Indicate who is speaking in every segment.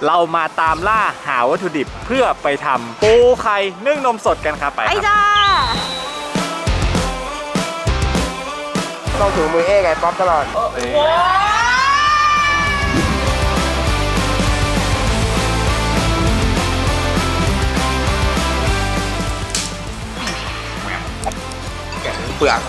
Speaker 1: เรามาตามล่าหาวัตถุดิบเพื่อไปทำปูไข่นึ่งนมสดกันครับไปครับ
Speaker 2: ไอ้จ้า
Speaker 3: ต้องถูมือไงป๊อปตลอดแกะเปลือก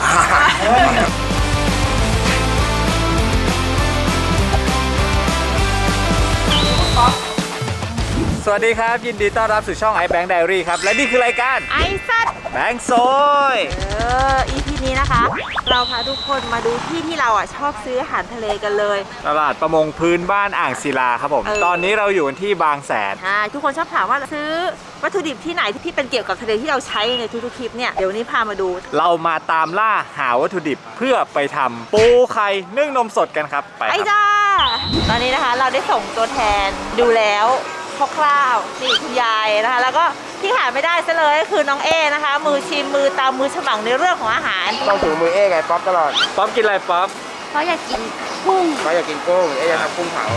Speaker 1: สวัสดีครับยินดีต้อนรับสู่ช่อง iBank Diary ครับและนี่คือรายการ
Speaker 2: ไอ้สัตว์
Speaker 1: แบงค์โซย
Speaker 2: EP นี้นะคะ เราพาทุกคนมาดูที่เราชอบซื้ออาหารทะเลกันเลย
Speaker 1: ตลาดประมงพื้นบ้านอ่างศิลาครับผมตอนนี้เราอยู่ที่บางแสน
Speaker 2: ทุกคนชอบถามว่าซื้อวัตถุดิบที่ไหนที่เป็นเกี่ยวกับทะเลที่เราใช้ในทุกๆคลิปเนี่ยเดี๋ยววันนี้พามาดู
Speaker 1: เรามาตามล่าหาวัตถุดิบเพื่อไปทำปูไข่นึ่งนมสดกันครับไป
Speaker 2: ไอ้
Speaker 1: ครับ
Speaker 2: จ้าตอนนี้นะคะเราได้ส่งตัวแทนดูแล้วคร่าวๆนี่คุณยายนะคะแล้วก็ที่ขาดไม่ได้ซะเลยก็คือน้องเอนะคะมือชิมมือตามมือฉมังในเรื่องของอาหาร
Speaker 3: ต้องถูมือไงป๊อปตลอด
Speaker 1: ป๊อปกินอะไรป๊อป
Speaker 2: เพราะอยากกินกุ้ง
Speaker 3: เขาอยากกินกุ้งจะทำกุ้งเผา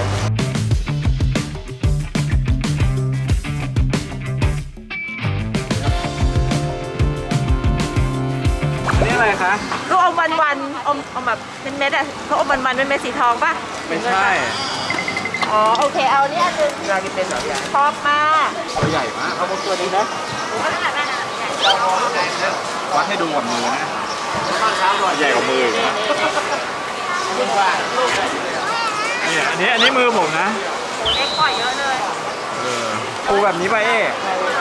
Speaker 1: นี่อะไรคะ
Speaker 2: ลูกอมวันๆอมแบบเป็นเม็ดอะเขาอมวันๆเป็นเม็ดสีทองป่ะ
Speaker 1: ไม่ใช่
Speaker 2: อ๋อโอเคเอาเนี่ยอันนึง
Speaker 3: น่ากินเป็นเหรอพี่
Speaker 2: ชอบมาก
Speaker 1: ตัวใหญ่มาก
Speaker 3: เอาตัวนี้นะ
Speaker 1: วัดให้ดูกับมือนะใหญ่กว่ามืออีกนะเนี่ยอันนี้มือผมนะ
Speaker 2: เล็กกว่าเยอะเลย
Speaker 1: ปูแบบนี้ไปเอ๊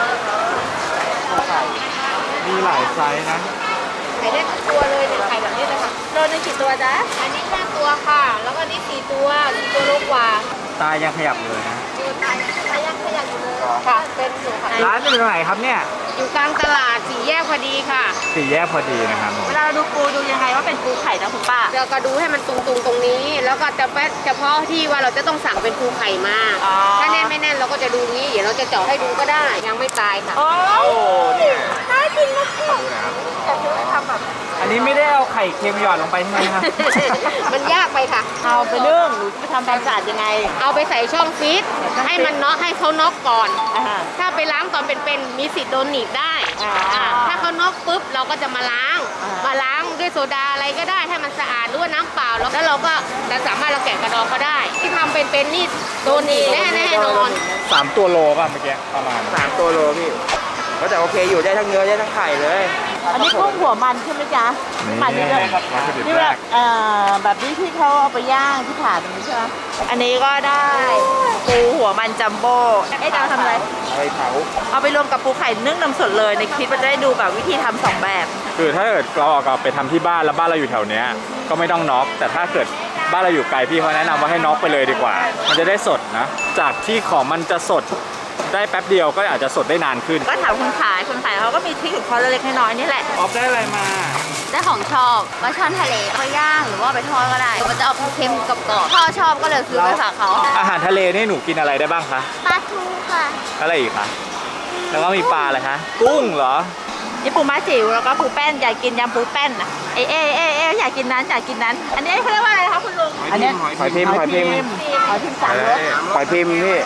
Speaker 1: มีหลายไซส์นะ
Speaker 2: ไข่ได้ทุกตัวเลยเนี่ยไข่แบบนี้เลยค่ะโลนึงกี่ตัวจ๊ะ
Speaker 4: อันนี้5ตัวค่ะ แล้วก็นี่4ตัวโลกว่า
Speaker 1: ตายังขยับเลยนะ
Speaker 4: อยู่ตายขยันอยู่เลยค่ะ เป็นอยู่ค่ะ
Speaker 1: ร้านอยู่ตรงไหนครับเนี่ย
Speaker 4: อยู่กลางตลาด4 แยกพอดีค่ะ
Speaker 1: สี่แยกพอดีนะครับผม
Speaker 2: เวลาเราดูปูดูยังไงว่าเป็นปูไข่นะคุณป้า
Speaker 4: เราก็ดูให้มันตรงๆตรงนี้ แล้วก็เฉพาะที่ว่าเราจะต้องสั่งเป็นปูไข่มา
Speaker 2: อ๋อ
Speaker 4: ถ้าแน่นไม่แน่นเราก็จะดูงี้ เดี๋ยวเราจะเจาะให้ดูก็ได้ ยังไม่ตายค่ะ
Speaker 2: โอ้
Speaker 1: เนี่ย
Speaker 2: น่ากินมากแต่เธอทำแบบ
Speaker 1: อันนี้ไม่ได้เอาไข่เค็มหยอดลงไปใช่ไหมครับ
Speaker 4: มันยากไปค่ะ
Speaker 2: เอาไปนึ่งหรือไปทำความสะอาดยังไง
Speaker 4: เอาไปใส่ช่องฟรีซให้มันน็อกให้เขาน็อกก่อน
Speaker 2: อ่า
Speaker 4: ถ้าไปล้างตอนเป็นๆมีสิทธิ์โดนหนีบได้
Speaker 2: อ่า
Speaker 4: ถ้าเขาน็อกปุ๊บเราก็จะมาล้าง
Speaker 2: อ่าม
Speaker 4: มาล้างด้วยโซดาอะไรก็ได้ให้มันสะอาดด้วยน้ำเปล่าแล้วเราก็จะสามารถเราแกะกระดองเขาได้ ที่ทำเป็นนี่โดนหนีบแน่นอน
Speaker 1: 3 ตัวโลป่ะเมื่อกี้ประมาณ
Speaker 3: 3 ตัวโลพี่ก็แต่โอเคอยู่ได้ทั้งเนื้อได้ทั้งไข่เลย
Speaker 2: อันนี้กุ้งหัวมันใช่ไหมจ๊ะมันนี่แบบ
Speaker 1: วัตถุดิบ
Speaker 2: นี่
Speaker 1: แร
Speaker 2: แบบ
Speaker 1: ก
Speaker 2: แบบนี้ที่เขาเอาไปย่างที่ผ่าตรงนี้ใช่ไหมอันนี้ก็ได้ปูหัวมันจัมโบ้เอ๊ะจะเอาทำอะไร
Speaker 3: ไปเผา
Speaker 2: เอาไปรวมกับปูไข่นึ่งนมสดเลยในคลิปมันจะได้ดูแบบวิธีทำ2แบบ
Speaker 1: คือถ้าเกิดเราเอากลับไปทำที่บ้านแล้วบ้านเราอยู่แถวเนี้ยก็ไม่ต้องน็อกแต่ถ้าเกิดบ้านเราอยู่ไกลพี่เขาแนะนำว่าให้น็อกไปเลยดีกว่า มันจะได้สดนะ จากที่ของมันจะสดได้แป๊บเดียวก็อาจจะสดได้นานขึ้น
Speaker 2: ก็ถามคนขายเขาก็มีทริคของเขาเล็กๆน้อยๆนี่แหละ
Speaker 1: ออฟได้อะไรมา
Speaker 4: ได้ของชอบว่าช่อนทะเลก็ย่างหรือว่าไปทอดก็ได้ มันจะออกเค็มกับกรอบพ่อชอบก็เลยซื้อไปฝากเขา
Speaker 1: อาหารทะเลนี่หนูกินอะไรได้บ้างคะ
Speaker 4: ปลาทูค่ะ
Speaker 1: อะไรอีกคะแล้วก็มีปลาอะไรคะกุ้งเหรอ
Speaker 2: นี่ปูม้าจิ๋วแล้วก็ปูแป้นอยากกินยำปูแป้นอ่ะเอ๊อยากกินนั้นอยากกินนั้น อันนี้เขาเรียกว่าอะไรคะคุณลุงอันนี้
Speaker 3: หอยพิมพ์
Speaker 2: หอยพิมพ์สามรส
Speaker 3: หอยพิมพ์พี่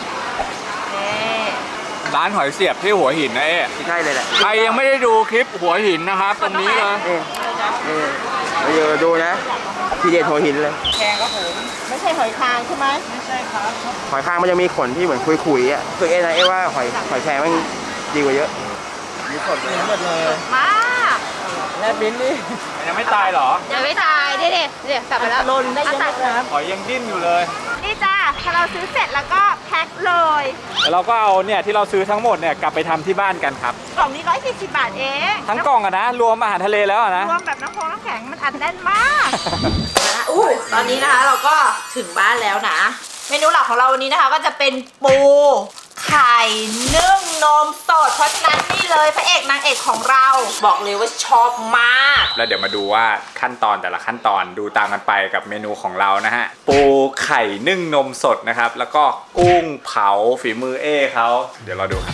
Speaker 1: ร้านหอยเสียบที่หัวหินนะเอ๊ะ
Speaker 3: ใช่เลยแหละ
Speaker 1: ใครยังไม่ได้ดูคลิปหัวหินนะครับตรงนี้เลย
Speaker 3: นี่เดี๋ยวดูนะทีเด็ดหัวหินเลย
Speaker 2: ไม่ใช่หอยคางใช่ไหม
Speaker 3: หอยคางมันจะมีขนที่เหมือนคุยๆอ่ะคือนะว่าหอยแครงมันดีกว่าเยอะมีขนเลย
Speaker 2: มาก
Speaker 1: แล้วบินนี่ยังไม่ตายเหรอ
Speaker 4: ยังไม่ตายเด็ดกลับไปแล้ว
Speaker 2: ลนได้เยอะนะครับ
Speaker 1: หอยยังดิ้นอยู่เลย
Speaker 2: นี่จ้าพอเราซื้อเสร็จแล้วก็แพ็คเลย
Speaker 1: แล้วเราก็เอาเนี่ยที่เราซื้อทั้งหมดเนี่ยกลับไปทำที่บ้านกันครับ
Speaker 2: กล่องนี้140 บาทเอง
Speaker 1: ทั้งกล่องอะนะ รวมอาหารทะเลแล้วอะนะ
Speaker 2: รวมแบบน้ำแข็งมันอัดแน่นมากตอนนี้นะคะเราก็ถึงบ้านแล้วนะ เมนูหลักของเราวันนี้นะคะก็จะเป็นปูไข่นึ่งนมสดเพราะฉะนั้นนี่เลยพระเอกนางเอกของเรา บอกเลยว่าชอบมาก
Speaker 1: แล้วเดี๋ยวมาดูว่าขั้นตอนแต่ละขั้นตอนดูตามกันไปกับเมนูของเรานะฮะ ปูไข่นึ่งนมสดนะครับ แล้วก็กุ้งเผาฝีมือเอ้เขาเดี๋ยวเราดูครับ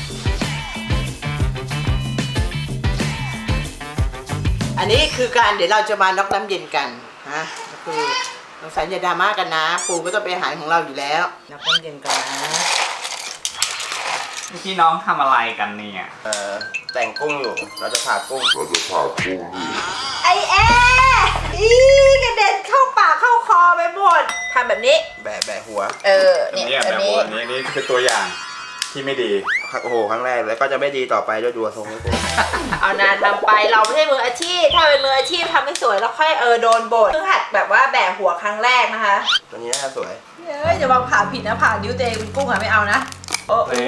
Speaker 5: อันนี้คือการเดี๋ยวเราจะมาน็อกน้ำเย็นกันนะก็คือสงสัยอย่าดราม่ากันนะ ปูก็ต้องเป็นอาหารของเราอยู่แล้วน็อกน้ำเย็นกันนะ
Speaker 1: พี่น้องทำอะไรกันเนี่ย
Speaker 3: แต่งกุ้งอยู่เราจะผ่ากุ้ง
Speaker 2: ไอแอร์อีกระเด็นเข้าปากเข้าคอไปหมดทำแบบนี้
Speaker 3: แบะหัว
Speaker 2: เนี่ย
Speaker 1: แบบ
Speaker 2: นี้
Speaker 1: วันนี้นี่คือตัวอย่างที่ไม่ดี
Speaker 3: โอ้โหครั้งแรกแล้วก็จะไม่ดีต่อไปด้วยดูทรงนี้กู
Speaker 2: เอานานทำไปเราไม่ใช่มืออาชีพถ้าเป็นมืออาชีพทำไม่สวยแล้วค่อยโดนบ่นเพิ่งหัดแบบว่าแบะหัวครั้งแรกนะคะ
Speaker 3: ตัวนี้น่าจะสวย
Speaker 2: เฮ้ยอย่าวางผ่าผิดนะผ่านิ้วตัวเองกุ้งอะไม่เอานะโอ้โห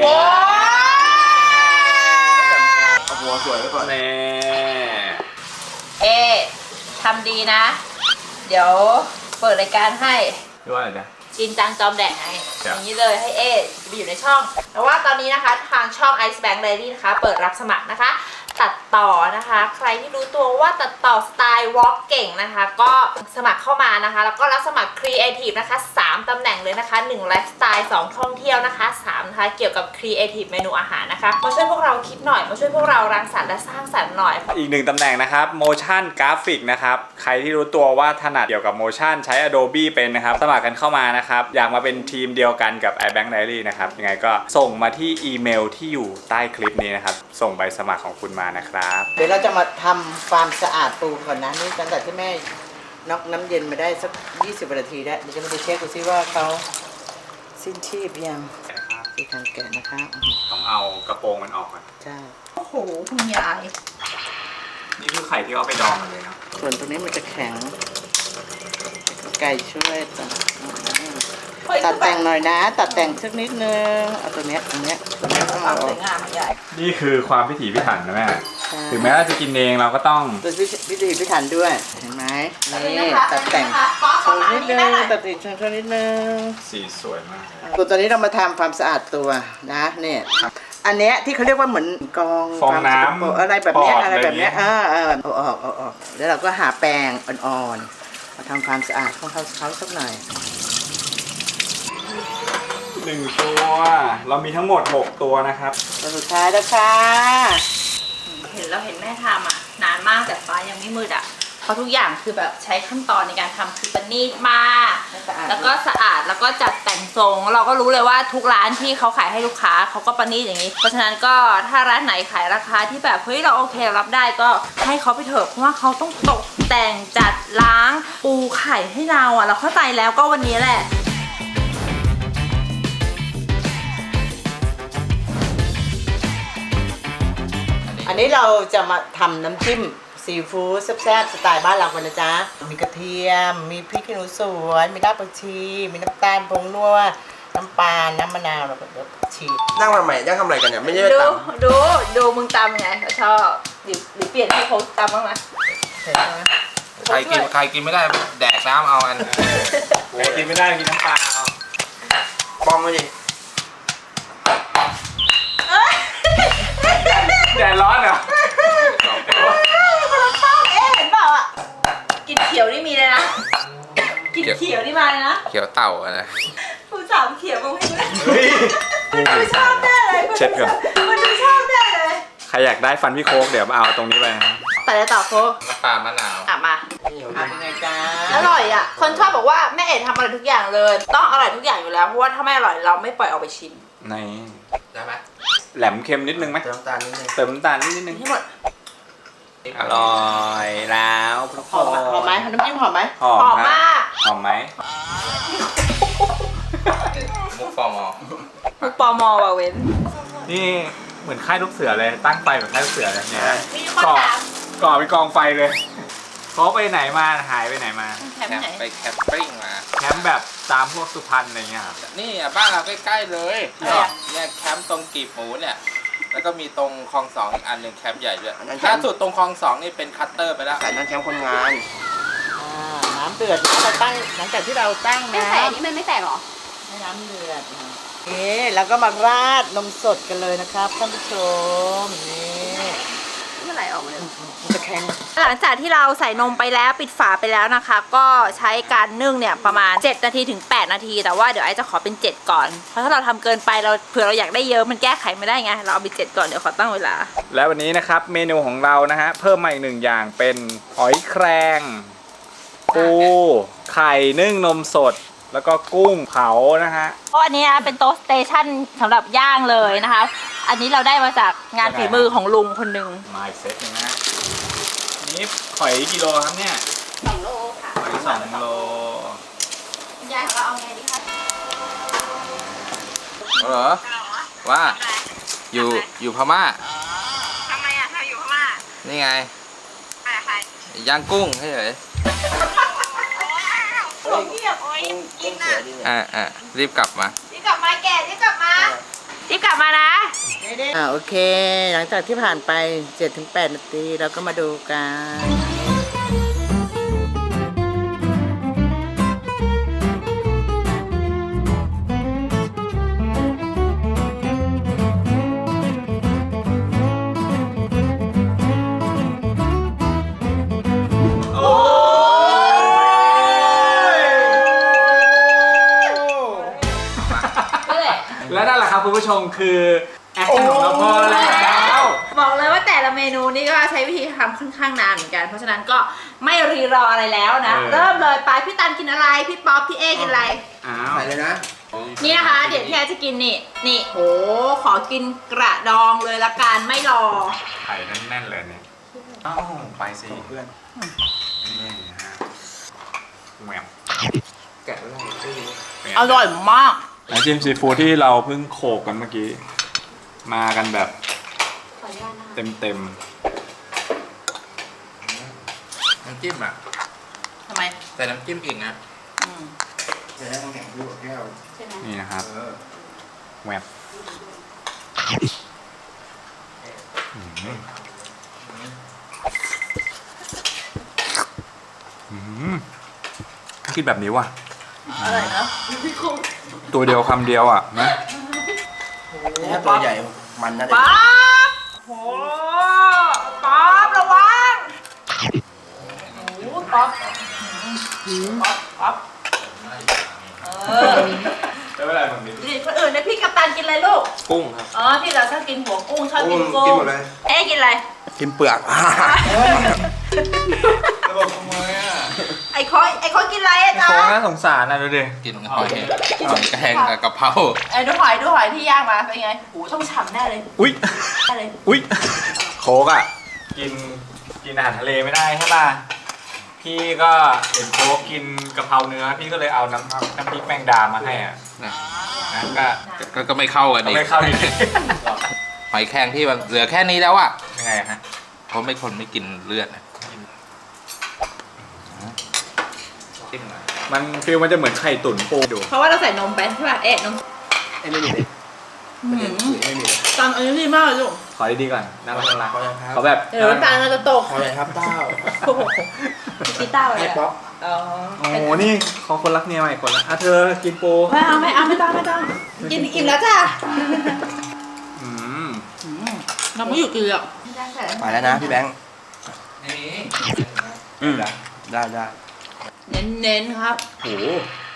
Speaker 3: เอาหัวสวยไว้ก่อน
Speaker 1: แน่
Speaker 2: เอทำดีนะ เดี๋ยวเปิดรายการให้
Speaker 1: ด้วยอะไรจ๊ะ
Speaker 2: จินจังจอมแดกไง
Speaker 1: ครั
Speaker 2: อบ ย่างนี้เลยให้เอไปอยู่ในช่อง แต่ว่าตอนนี้นะคะทางช่อง Ice Bank Diary นะคะ เปิดรับสมัครนะคะ ตัดต่อนะคะ ใครที่รู้ตัวว่าตัดต่อสไตล์วอล์กเก่งนะคะ ก็สมัครเข้ามานะคะ แล้วก็รับสมัครครีเอทีฟนะคะ3ตำแหน่งเลยนะคะ1ไลฟ์สไตล์2ท่องเที่ยวนะคะ3นะคะเกี่ยวกับครีเอทีฟเมนูอาหารนะคะมาช่วยพวกเราคิดหน่อยมาช่วยพวกเรารังสรรค์และสร้างสรรค์หน่อย
Speaker 1: อีกหนึ่งตำแหน่งนะครับ motion graphic นะครับ ใครที่รู้ตัวว่าถนัดเกี่ยวกับ motion ใช้ Adobe เป็นนะครับ สมัครกันเข้ามานะครับ อยากมาเป็นทีมเดียวกันกับ iBank Diary นะครับ ยังไงก็ส่งมาที่อีเมลที่อยู่ใต้คลิปนี้นะครับ ส่งใบสมัครของคุณมานะครับ
Speaker 5: เดี๋ยวเราจะมาทำความสะอาดปูก่อนนะนี่ตั้งแต่ที่แม่น็อกน้ำเย็นมาได้สัก20 นาทีแล้วเดี๋ยวจะมาดูเช็คดูซิว่าเขาสิ้นชีพยังที่ทางแกะนะคะ
Speaker 1: ต้องเอากระโปรงมันออกก่อน
Speaker 5: ใช่
Speaker 2: โอ้โหคุณยาย
Speaker 1: นี่คือไข่ที่เอาไปดองกันเลยเนาะ
Speaker 5: ส่วนตรงนี้มันจะแข็งไก่ช่วยตัดแต่งหน่อยนะ ตัดแต่งสักนิดนึงเอาตัวเนี้ยต้อง
Speaker 2: ค
Speaker 5: เอา
Speaker 2: วาม
Speaker 5: อ
Speaker 2: ส
Speaker 5: อ
Speaker 2: ว
Speaker 5: ก
Speaker 2: ยงามของยาย
Speaker 1: นี่คือความพิถีพิถันนะแม่
Speaker 5: ใช่
Speaker 1: ถึงแม้เราจะกินเองเราก็ต้อง
Speaker 5: ตัวพิธีพิถันด้วยเห็นไหมนี่ตัดแต่ง
Speaker 2: ป๊อป
Speaker 5: โช
Speaker 2: เข้า
Speaker 5: ว์
Speaker 2: มา
Speaker 5: นิด
Speaker 2: นี่
Speaker 5: นึ
Speaker 2: แม่
Speaker 5: ง
Speaker 2: หน่อย
Speaker 5: ตัดติดโชว์นิดนึง
Speaker 1: สีสวยมาก
Speaker 5: ตัวตัวนี้เรามาทำความสะอาดตัวนะเนี่ยอันเนี้ยที่เขาเรียกว่าเหมือนกอง
Speaker 1: ฟองน้ำ
Speaker 5: ความสกปรกอะไรแบบเนี้ย
Speaker 1: ปอด
Speaker 5: อะไรแบบเนี้ย
Speaker 1: อะไรอย่างเงี้ย
Speaker 5: เอาออกแล้วเราก็หาแปรงอ่อนๆมาทำความสะอาดของเขาสักหน่อย
Speaker 1: 1 ตัว เรามีทั้งหมด 6 ตัวนะครับ
Speaker 5: ตัวสุดท้ายแล้วค่ะ
Speaker 2: เห็นแม่ทำอ่ะนานมากแต่ฟ้ายังไม่มืดอ่ะเพราะทุกอย่างคือแบบใช้ขั้นตอนในการทำคือประณีตมากแล้วก็สะอาดแล้วก็จัดแต่งทรงเราก็รู้เลยว่าทุกร้านที่เขาขายให้ลูกค้าเขาก็ประณีตอย่างนี้ เพราะฉะนั้นก็ถ้าร้านไหนขายราคาที่แบบเฮ้ยเราโอเคเรารับได้ก็ให้เขาไปเถอะเพราะว่าเขาต้องตกแต่งจัดล้างปูไข่ให้เราอ่ะเราเข้าใจแล้วก็วันนี้แหละ
Speaker 5: อันนี้เราจะมาทำน้ำจิ้มซีฟู้ดแซ่บๆสไตล์บ้านเรากันนะจ๊ะมีกระเทียมมีพริกขี้หนูสวนมีรากผักชีมีน้ำตาลผงนัวน้ำปลาน้ำมะนาวแล้วก็เดี๋ยวชี
Speaker 3: นั่งมาใหม่นั่งทำอะไรกันเนี่ยไม่ใช่
Speaker 2: ดู
Speaker 3: ตัง
Speaker 2: ดูมึงตำไงเขาชอบหรือเปลี่ยนให้เขาตำบ้างไหม
Speaker 5: เห็นไหม
Speaker 6: ใครกินไม่ได้แดกน้ำเอาอัน
Speaker 1: โอ้กินไม่ได้กินน้ำเปล่า
Speaker 3: ป้องมาดิ
Speaker 1: แดดร้อนเหรอ
Speaker 2: เราชอบเอ๊ะเห็นเปล่าอ่ะกินเขียวนี่มีเลยนะกินเขียวนี่มาเลยนะ
Speaker 6: เขียวเต่าอะนะ
Speaker 2: ผู้สาวเขียวมึงให้ด้วย
Speaker 1: เฮ้ย
Speaker 2: มันดูชอบแน่เลย
Speaker 1: เช็ดก่อน
Speaker 2: มันดูชอบแน่เลย
Speaker 1: ใครอยากได้ฟันพี่โค้กเดี๋ยวมาเอาตรงนี้ไปนะ
Speaker 2: แต่จะต่อโค้
Speaker 6: น้ำปลามะนาว
Speaker 2: อ่ะมา
Speaker 5: เป็นไงจ๊ะ
Speaker 2: อร่อยอ่ะคนชอบบอกว่าแม่เอ๋ทำอร่อยทุกอย่างเลย ต้องอร่อยทุกอย่างอยู่แล้วเพราะว่าถ้าไม่อร่อยเราไม่ปล่อยออกไปชิม
Speaker 1: ใน
Speaker 6: ได้ไหม
Speaker 1: แหลมเค็มนิดนึงไหม
Speaker 3: เติมน้ำตาลนิดนึง
Speaker 1: เติมน้ำตาลนิดนึง
Speaker 2: ให้หมด
Speaker 1: อร่อยแล้วทุกค
Speaker 5: หอน มไหมน้ำจิ้มหอมไหม
Speaker 1: หอม
Speaker 2: หอม
Speaker 1: ฮะ
Speaker 2: มาก
Speaker 1: หอมไหม
Speaker 6: มุกฟอร์มอ
Speaker 2: มุกปอมอว่ะเว้น
Speaker 1: นี่เหมือนค่ายลูกเสือเลยตั้งไฟเหมือนค่ายลูกเสือเลยเนี่ย
Speaker 2: มีคน
Speaker 1: ก่อ
Speaker 2: ถาม
Speaker 1: ก่อเป็นกองไฟเลยเขาไปไหนมาหายไปไหนมา
Speaker 2: แถม
Speaker 6: แคม
Speaker 2: ไหน
Speaker 6: ป์ไปแคมปิ้งมา
Speaker 1: แคมป์แบบตามพวกสุพรรณอะไรเงี้ยครับ
Speaker 6: นี่อ่ะบ้านเราใกล้ๆเลย
Speaker 2: อะไรอ่ะ
Speaker 6: เนี่ยแคมป์ตรงกีบหมูเนี่ย แล้วก็มีตรงคลองสองอีกอันหนึ่งแคมป์ใหญ่ด้วยล่าสุดตรงคลองสองนี่เป็นคัตเตอร์ไปแล้ว
Speaker 3: ใส่น้ำแคมป์คนงาน
Speaker 5: น้ำเดือดนะเราตั้งหลังจากที่เราตั้ง
Speaker 4: ไม่
Speaker 5: นะ
Speaker 4: ใส่อันนี้มันไม่แตกหรอ
Speaker 5: ให้น้ำเดือดเอ๊แล้วก็มาราดนมสดกันเลยนะครับท่านผู้ชมนี่
Speaker 4: เมื่อไหร่ออกมาเลย
Speaker 5: มันจะแข็ง
Speaker 2: หลังจากที่เราใส่นมไปแล้วปิดฝาไปแล้วนะคะ ก็ใช้การนึ่งเนี่ยประมาณ7นาทีถึง8นาทีแต่ว่าเดี๋ยวไอจะขอเป็น7ก่อนเพราะถ้าเราทำเกินไปเราเผื่อเราอยากได้เยอะมันแก้ไขไม่ได้ไงเราเอาไป7ก่อนเดี๋ยวขอตั้งเวลา
Speaker 1: แล้ววันนี้นะครับเมนูของเรานะฮะเพิ่มมาอีกหนึ่งอย่างเป็นหอยแครงปูไข่นึ่งนมสด แล้วก็กุ้งเผานะฮะ
Speaker 2: เพราะอันนี้นะเป็นโต๊ะสเตชันสำหรับย่างเลยนะคะอันนี้เราได้มาจากงานฝีมือของลุงคนหนึ่ง
Speaker 1: มาอีกเซตหนึงนะนี่หอยกิโลครับเนี่ย
Speaker 2: 2 โลค่ะ
Speaker 1: หอย2 โล
Speaker 2: ยายของเราเอาไงดีคะ
Speaker 6: เหรอว่าอยู่พม่า
Speaker 2: ทำไมอ่ะเธออยู่พม่า
Speaker 6: นี่ไง
Speaker 2: ใคร
Speaker 6: ย่างกุ้งเฉย
Speaker 2: โอ้ยเงียบโอ้ยยิงนะ
Speaker 6: รีบกลับมา
Speaker 2: รีบกลับมาแกรีบกลับมารีบกลับมานะ
Speaker 5: โอเค หลังจากที่ผ่านไป 7-8 นาทีเราก็มาดูกัน
Speaker 1: และนั่นแหละครับคุณผู้ชมคือแอคชั่นของเราพอแล้ว
Speaker 2: บอกเลยว่าแต่ละเมนูนี่ก็ใช้วิธีทำค่อนข้างนานเหมือนกัน เพราะฉะนั้นก็ไม่รีรออะไรแล้วนะ เริ่มเลยไปพี่ตันกินอะไร พี่ป๊อปพี่เอกินอะไร
Speaker 1: อ้าว
Speaker 3: ใส่เลยนะ
Speaker 2: นี่นะคะเดี๋ยวพี่แอจะกินนี่โหขอกินกระดองเลยละกันไม่รอ
Speaker 1: ไข่แน่นๆเลยเนี่ยอ้าวไปสิเพื่อนนี่นะฮะแหวว
Speaker 3: แกะไว้เลย
Speaker 2: อร่อยมาก
Speaker 1: น้ำจิ้มซีฟู้ดที่เราเพิ่งโขกกันเมื่อกี้ มากันแบบเต็ม
Speaker 6: น้ำจิ้มอ่ะ
Speaker 2: ทำไม
Speaker 6: ใส่น้ำจิ้มอีกนะ
Speaker 3: เดี๋ยวให้ต้องแข็งด้วยแก้ว
Speaker 1: ๆนี่นะครับแหวบคิดแบบนี้ว่ะ
Speaker 2: อร่อยเนาะ
Speaker 1: ตัวเดียวคำเดียวอ่ะนะ
Speaker 3: ถ้าตัวใหญ่มันน่าจะ
Speaker 2: ป๊อปโหป๊อประวังโอ้ป๊อปป๊อปเออ
Speaker 1: ไม่เป็นไรผมนิด
Speaker 2: นี่คนอื่นนะพี่กัปตันกินอะไรลูก
Speaker 6: กุ้งครับ
Speaker 2: อ๋อพี่เราชอบกินหัวกุ้งชอบกินกุ้
Speaker 3: กิน
Speaker 2: ง
Speaker 3: หมดเลย
Speaker 2: เอ๊ะกินอะไร
Speaker 3: กินเปลือก
Speaker 1: ระบบทำไมอ่ะ
Speaker 2: ไอ้คอยกินอะไรอะจ๊ะ
Speaker 1: โค้งน่าสงสารนะดูดิ
Speaker 6: กินหอยแกงกับกะเพรา
Speaker 2: ดูหอยที่ย่างมาเป็นไงโหต้องฉ่ำแน่เลย
Speaker 1: อุ้ย
Speaker 2: แน่เลย
Speaker 1: อุ้ยโค้กอ่ะกินอาหารทะเลไม่ได้ใช่ป่ะพี่ก็เห็นโค้กกินกะเพราเนื้อพี่ก็เลยเอาน้ำพริกแมงดามาให้อ่ะ
Speaker 6: นะ
Speaker 1: นะก็
Speaker 6: ก็ไม่เข้ากันอีก
Speaker 1: ไม่เข้าอีก
Speaker 6: หอยแครงที่มันเหลือแค่นี้แล้วอ่ะ
Speaker 1: ยังไงฮะ
Speaker 6: เพราะไม่คนไม่กินเลือดนะจิ้มหน่อย
Speaker 1: มันฟีลมันจะเหมือนไข่ตุ๋นปูดู
Speaker 2: เพราะว่าเราใส่นมไปใช่ป่ะเอ๊ะนม
Speaker 3: ไอ้ไม่มีเลยไม่มีเลย
Speaker 2: ตอนอันนี้ดีมากเลยลูก
Speaker 1: ขอดีๆก่อนน่ารักน่ารัก
Speaker 3: ขอเลยครับ
Speaker 1: เขาแบบ
Speaker 2: เดี๋ยวน้ำตาลมันจะตก
Speaker 3: ขอเลยครับเต้า
Speaker 2: โอ้โหกีตาร์อะไร
Speaker 3: ให้
Speaker 2: อะ
Speaker 3: ป๊อป
Speaker 2: อ๋อ
Speaker 1: โอ้โหนี่เขาคนรักเมียใหม่คนละอ่ะเธอกินปู
Speaker 2: ไม่ต้องกินอิ่มแล้วจ้ะ
Speaker 1: อืม
Speaker 2: เราไม่อยู่กินหรอก
Speaker 3: ไปแล้วนะพี่แบงค์
Speaker 6: นี่
Speaker 1: อืม
Speaker 3: ได้
Speaker 2: เน้นๆครับ
Speaker 1: โอ้โห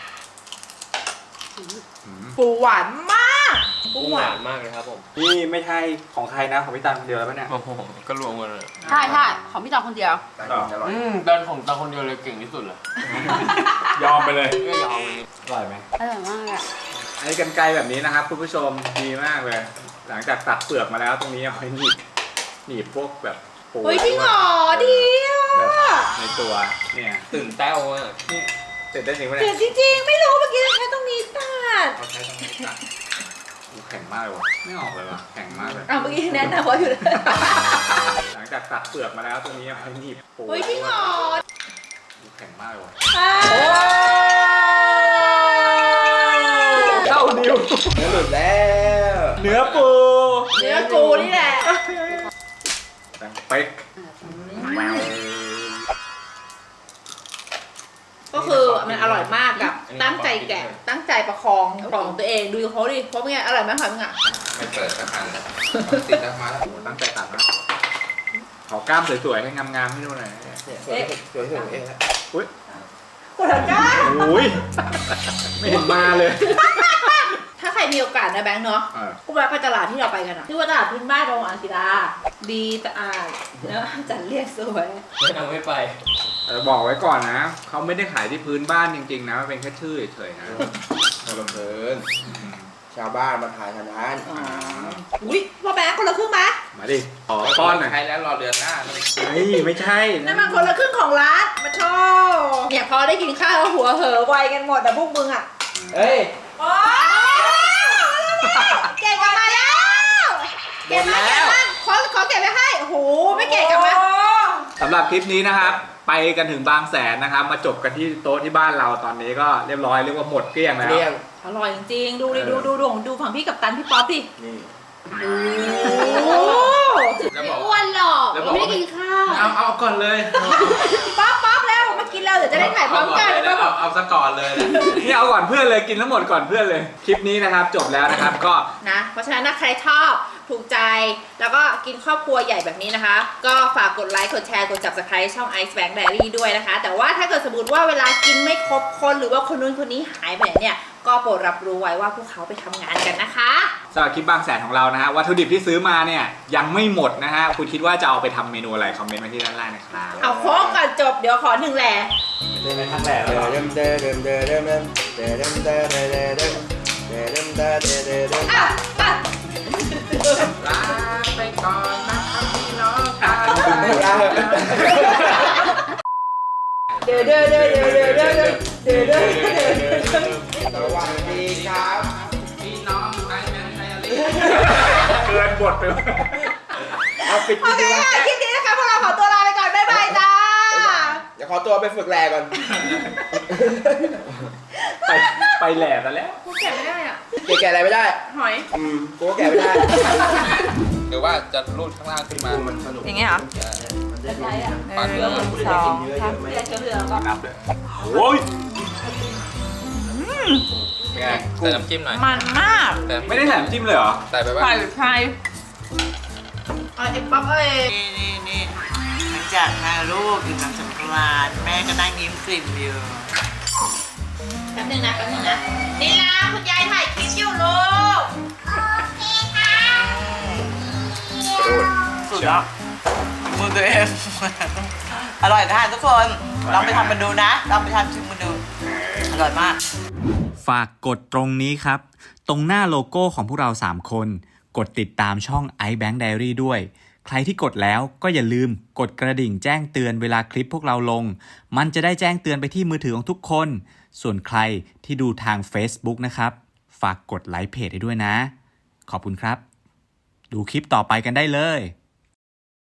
Speaker 2: ปูหวานมากปูหวาน
Speaker 1: นี่ไม่ใช่ของใครนะของพี่ตันคนเดียวแล้วปะเนี่ย
Speaker 6: โอ้โหก็รวมกันเลย
Speaker 2: ใช่ของพี่จองคนเดียว
Speaker 3: ได้กินอร่อย
Speaker 7: ตอนผมตอนคนเดียวเลยเก่งที่สุดเลย
Speaker 1: ยอมไปเลย
Speaker 7: ก็ยอมเลย
Speaker 1: อร่อยไหม
Speaker 4: อร่อยมากอ่ะ
Speaker 1: ไอ้กรรไกรแบบนี้นะครับคุณผู้ชมดีมากเลย หลังจากตัดเปลือกมาแล้วตรงนี้เอาไว้หนีบพวกแบบปู
Speaker 2: เฮ้ยจริงเหรอดีอ่ะ
Speaker 1: แบบในตัวเนี่ย
Speaker 7: ตื่นเต้าอ่ะ
Speaker 1: นี่เสร็จได้จริงไหม
Speaker 2: เดี๋
Speaker 1: เนี่ย
Speaker 2: วยจริงๆ ไม่รู้เมื่อกี้ใช้ตรงนี้ตัด
Speaker 1: เขาใช้ตรงนี้ตัดโอ้แข็งมากเลยวะไม่ออกเลยว่ะแข็งมากเลย
Speaker 2: เมื่อกี้แนะนำไว้อยู่เลย
Speaker 1: หลังจากตัดเปลือกมาแล้วตรงนี้เอาไว้หนีบปู
Speaker 2: เฮ้ยจริงเหรอ
Speaker 1: โอ้แข็งมากเลยวะ
Speaker 2: อ่า
Speaker 1: เข้านิ้ว
Speaker 3: เนื้อหลุดแล้ว
Speaker 1: เนื้อปู
Speaker 2: เนื้อกูนี่แหละ
Speaker 1: ดังเป๊ก
Speaker 2: ก็คือมันอร่อยมากกับตั้งใจแกะตั้งใจประคองของตัวเองดูเขาดิเพราะเป็นไงอร่อยไหมคะมึงอ่ะ
Speaker 6: ไม่เปิดสักอันเลยติดแล้วมาแล้ว
Speaker 1: โอ้ตั้งใจตัดนะขอกล้ามสวยๆให้งามๆให้ดูหน่อย
Speaker 3: สวยเองนะ
Speaker 1: อุ้ย
Speaker 2: กดก้า
Speaker 1: โอ้ยไม่เห็นมาเลย
Speaker 2: ถ้าใครมีโอกาสนะแบงค์เนาะ กูแวะไปตลาดที่เราไปกันอะที่ว่าตลาดพื้นบ้านโรงอ่างศิลาดีสะอาดแล้วจัดเรียกสวย
Speaker 7: ไม่ไป
Speaker 1: บอกไว้ก่อนนะ เขาไม่ได้ขายที่พื้นบ้านจริงๆนะมันเป็นแค่ชื่อเฉยๆนะ
Speaker 3: บังเอิญ
Speaker 1: ใ
Speaker 3: ชาวบ้านมาถ่ายทางร้าน
Speaker 2: อุ้ยพ่อแบงค์คนละครึ่งไหม
Speaker 1: มาดิขอป้อนหน่อย
Speaker 6: ใครแล้วรอเดือนหน้าเลย
Speaker 1: เฮ้ยไม่ใช่
Speaker 2: นั่นมันคนละครึ่งของร้านมาโชว์เนี่ยพอได้กินข้าวแล้วหัวเหอไวกันหมดแต่พวกมึงอ่ะ
Speaker 3: เฮ้ย
Speaker 2: โอ้เก่งกลับมาแล้วเก่งมากเก่งมากขอเก็บไว้ให้โอ้โหไม่เก่งกลับมา
Speaker 1: สำหรับคลิปนี้นะครับ ไปกันถึงบางแสนนะครับ มาจบกันที่โต๊ะที่บ้านเราตอนนี้ก็เรียบร้อยเรียกว่าหมดเกลี้ยงแล้ว
Speaker 3: เรียง
Speaker 2: อร่อยจริงๆดูดิดูฝั่งพี่กับตันพี่ป๊อปดิ
Speaker 3: นี่
Speaker 2: โอ้
Speaker 6: แล้ว
Speaker 4: ไม่
Speaker 6: บอก
Speaker 4: อ้วนหรอก
Speaker 6: แล้วบอก
Speaker 4: ไม่
Speaker 6: ว่า
Speaker 4: ได้กินข้าว
Speaker 6: เอาก่อนเลย
Speaker 2: ป๊อปแล้วมากินแล้วเดี๋ยวจะได้ถ่ายพร้อมกัน
Speaker 6: เอาซะก่อนเลยนะ
Speaker 1: นี่เอาก่อนเพื่อนเลยกินทั้งหมดก่อนเพื่อนเลย คลิปนี้นะครับจบแล้วนะครับก็
Speaker 2: นะเพราะฉะนั้นถ้าใครชอบถูกใจแล้วก็กินครอบครัวใหญ่แบบนี้นะคะ ก็ฝากกดไลค์กดแชร์กด Subscribe ช่อง Ice Bank Diary ด้วยนะคะ แต่ว่าถ้าเกิดสมมติว่าเวลากินไม่ครบคนหรือว่าคนนู้นคนนี้หายไปเนี่ยก็โปรดรับรู้ไว้ว่าพวกเขาไปทำงานกันนะคะ
Speaker 1: สำหรับคลิปบางแสนของเรานะฮะวัตถุดิบที่ซื้อมาเนี่ยยังไม่หมดนะฮะคุณคิดว่าจะเอาไปทำเมนูอะไรคอมเมนต์มาที่ด้านล่างนะครับ
Speaker 2: เอาโค้งก่อนจบเดี๋ยวขอหนึ่งแหล่
Speaker 1: ไปทางแหลกแล้ว
Speaker 3: เดิมเดิมเดิมเดิมเดิมเดิมเดิมเดิมเดิมเดิมเดิมเดิมเดิมเดิมเดิมเดิม
Speaker 2: อ่ะอ่ะ
Speaker 6: ลาไปก่อนนะครับพี่น้องกัน
Speaker 2: เดี๋ยว
Speaker 3: สวัสดีครับ
Speaker 6: พี่น้องไทยแมนไทยอะไร
Speaker 1: เกินบทไป
Speaker 3: เอาปิด
Speaker 2: โอเค
Speaker 3: ดีกว่า
Speaker 2: ค่ะคลิปนี้นะคะพวกเราขอตัวลาไปก่อนบ๊ายบายจ้า
Speaker 3: เดี๋ยวขอตัวไปฝึกแลก่อน
Speaker 1: ไปแหลกกันแล้ว
Speaker 2: กูแกะไม่ได้อ่ะ
Speaker 3: แกะอะไรไม่ได้
Speaker 2: หอย
Speaker 3: กูก็แกะไม่ได้
Speaker 6: หรือว่าจะรูดข้างล่างขึ้นมา
Speaker 3: มันสนุก
Speaker 2: อย่างเงี้ยเหรอ
Speaker 3: มันจะ
Speaker 6: ปาด
Speaker 2: ห
Speaker 6: เนื้อ
Speaker 2: นึ่งสองสามเรือก็
Speaker 1: นับเลยโอ้ยเป็นไง
Speaker 6: ใส่น้ำจิ้มหน่อย
Speaker 2: มันมาก
Speaker 6: แต่
Speaker 1: ไม่ได้แถมจิ้มเลยเหรอ
Speaker 6: ใส่ไปว่า
Speaker 2: ไข่ไข่ไอ้ป๊อปเอ้ย
Speaker 5: นี่หลังจากพาลูกอยู่กับสงกรานต์แม่ก็นั่งยิ้มกลิ่มอยู่
Speaker 2: แป๊บนึงนะนี่นะคุณยายถ่ายคลิปอยู่ลูก
Speaker 5: สุดยอดมือตัวเอง อร่อยนะทุกคน ลองไปทำมันดูนะ ลองไปทำชิมมันดู อร่อยมาก
Speaker 8: ฝากกดตรงนี้ครับ ตรงหน้าโลโก้ของพวกเรา 3 คน กดติดตามช่อง iBank Diary ด้วย ใครที่กดแล้วก็อย่าลืมกดกระดิ่งแจ้งเตือนเวลาคลิปพวกเราลง มันจะได้แจ้งเตือนไปที่มือถือของทุกคน ส่วนใครที่ดูทาง Facebook นะครับ ฝากกดไลค์เพจให้ด้วยนะ ขอบคุณครับ ดูคลิปต่อไปกันได้เลย